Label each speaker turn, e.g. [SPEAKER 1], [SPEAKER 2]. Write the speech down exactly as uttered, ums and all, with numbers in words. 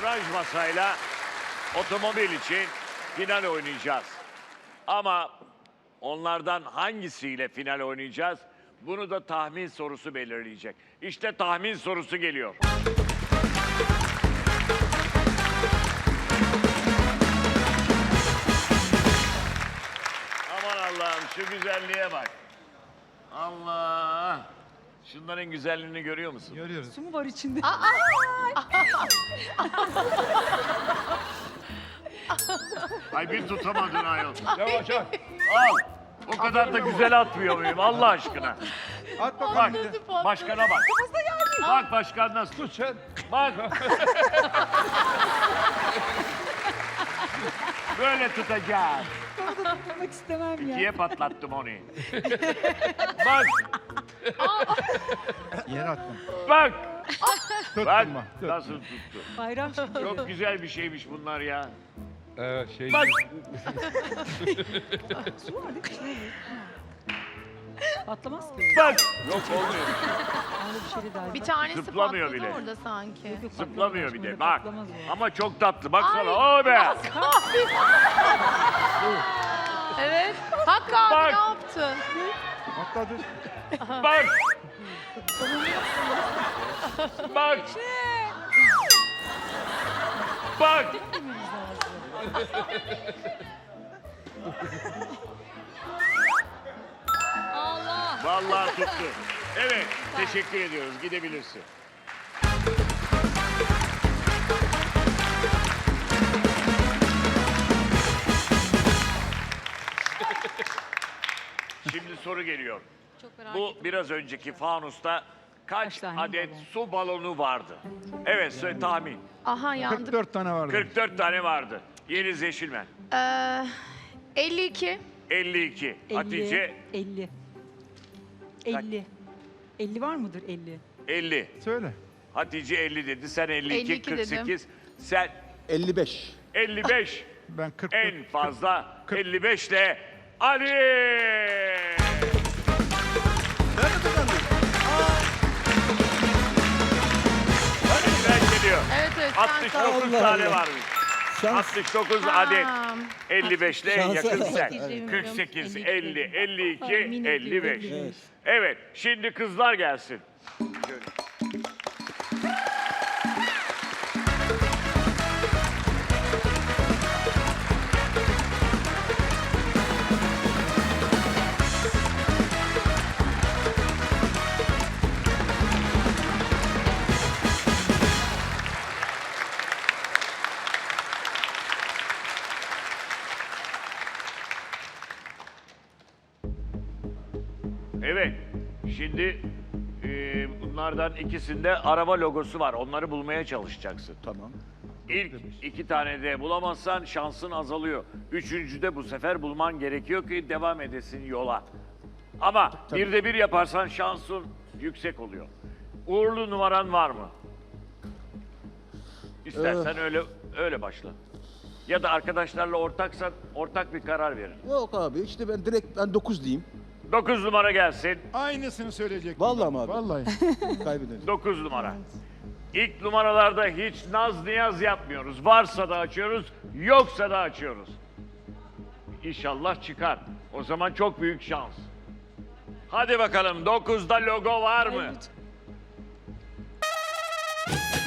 [SPEAKER 1] satranç masayla otomobil için final oynayacağız. Ama onlardan hangisiyle final oynayacağız? Bunu da tahmin sorusu belirleyecek. İşte tahmin sorusu geliyor. Aman Allah'ım şu güzelliğe bak. Allah! Şunların güzelliğini görüyor musun?
[SPEAKER 2] Görüyoruz.
[SPEAKER 3] Su mu var içinde?
[SPEAKER 1] Ay bir tutamadın ayol.
[SPEAKER 2] Yavaş at.
[SPEAKER 1] Al. O kadar da güzel atmıyor muyum Allah aşkına?
[SPEAKER 2] At
[SPEAKER 1] Bak,
[SPEAKER 2] bakalım bir de.
[SPEAKER 1] başkana bak. Bak başkan nasıl tut.
[SPEAKER 2] Tut sen.
[SPEAKER 1] Bak. Böyle tutacağız.
[SPEAKER 3] Tutmak istemem ya.
[SPEAKER 1] İkiye patlattım onu. Bak,
[SPEAKER 2] Yere attım.
[SPEAKER 1] bak.
[SPEAKER 2] Tuttum
[SPEAKER 1] Bak
[SPEAKER 2] bak. Tut.
[SPEAKER 1] nasıl tuttu.
[SPEAKER 3] Bayram şimdi.
[SPEAKER 1] Çok güzel bir şeymiş bunlar ya.
[SPEAKER 2] Evet şey.
[SPEAKER 1] Bak.
[SPEAKER 3] Su var değil mi? İçinde mi? Patlamaz ki.
[SPEAKER 1] Bak. Yok olmuyor.
[SPEAKER 3] Öyle bir şey de dahil.
[SPEAKER 4] Bir tanesi
[SPEAKER 1] Zıplamıyor
[SPEAKER 4] patladı
[SPEAKER 1] bile.
[SPEAKER 4] orada sanki.
[SPEAKER 3] Yok, yok,
[SPEAKER 1] Zıplamıyor bir
[SPEAKER 3] patlamaz.
[SPEAKER 1] de. Bak.
[SPEAKER 3] Patlamaz o.
[SPEAKER 1] Ama çok tatlı. Baksana.
[SPEAKER 4] Ay.
[SPEAKER 1] O be.
[SPEAKER 4] Evet. Hakkı abi
[SPEAKER 1] Bak.
[SPEAKER 4] ne yaptın?
[SPEAKER 2] Atladı.
[SPEAKER 1] Bak. Bak. Bak.
[SPEAKER 3] Allah.
[SPEAKER 1] Vallahi tuttu. Evet. Teşekkür ediyoruz. Gidebilirsin. Şimdi soru geliyor.
[SPEAKER 3] Çok merak
[SPEAKER 1] Bu biraz önceki fanusta kaç
[SPEAKER 3] Kaç tane
[SPEAKER 1] adet
[SPEAKER 3] balon?
[SPEAKER 1] su balonu vardı? Evet, söyle tahmin.
[SPEAKER 4] Aha yandık.
[SPEAKER 2] kırk dört tane vardı.
[SPEAKER 1] kırk dört tane vardı. Yeliz Yeşilmen.
[SPEAKER 4] Ee, elli iki.
[SPEAKER 1] elli iki. Hatice
[SPEAKER 3] elli. elli. elli var mıdır elli?
[SPEAKER 1] elli.
[SPEAKER 2] Söyle.
[SPEAKER 1] Hatice elli dedi. Sen elli iki,
[SPEAKER 4] elli iki
[SPEAKER 1] kırk sekiz.
[SPEAKER 4] dedim.
[SPEAKER 1] Sen
[SPEAKER 5] elli beş.
[SPEAKER 1] elli beş.
[SPEAKER 2] Ben kırk
[SPEAKER 1] En
[SPEAKER 2] dört.
[SPEAKER 1] fazla
[SPEAKER 2] kırk-
[SPEAKER 1] elli beş ile Ali.
[SPEAKER 5] Ben de kazandım.
[SPEAKER 1] Ali'den geliyor.
[SPEAKER 4] Evet evet. sen
[SPEAKER 1] altmış dokuz
[SPEAKER 5] Allah
[SPEAKER 1] tane
[SPEAKER 5] Allah.
[SPEAKER 1] varmış.
[SPEAKER 5] Şans.
[SPEAKER 1] altmış dokuz
[SPEAKER 4] Tamam.
[SPEAKER 1] adet. elli beş ile en
[SPEAKER 5] Şansa
[SPEAKER 1] yakın
[SPEAKER 5] bak.
[SPEAKER 1] sen.
[SPEAKER 4] Evet.
[SPEAKER 1] kırk sekiz, elli, elli iki,
[SPEAKER 3] Tahmin
[SPEAKER 1] elli beş.
[SPEAKER 3] ediyorum,
[SPEAKER 5] Evet.
[SPEAKER 1] Evet, şimdi kızlar gelsin. Şöyle. Evet, şimdi e, bunlardan ikisinde araba logosu var. Onları bulmaya çalışacaksın.
[SPEAKER 5] Tamam.
[SPEAKER 1] İlk iki tane de bulamazsan şansın azalıyor. Üçüncüde bu sefer bulman gerekiyor ki devam edesin yola. Ama bir de bir yaparsan şansın yüksek oluyor. Uğurlu numaran var mı? İstersen öyle öyle başla. Ya da arkadaşlarla ortaksan ortak bir karar verin.
[SPEAKER 5] Yok abi işte ben direkt ben dokuz diyeyim.
[SPEAKER 1] Dokuz numara gelsin.
[SPEAKER 2] Aynısını söyleyecektim.
[SPEAKER 5] Vallahi mi abi?
[SPEAKER 2] Vallahi.
[SPEAKER 5] Kaybederim.
[SPEAKER 1] Dokuz numara. İlk numaralarda hiç naz niyaz yapmıyoruz. Varsa da açıyoruz, yoksa da açıyoruz. İnşallah çıkar. O zaman çok büyük şans. Hadi bakalım dokuzda logo var mı?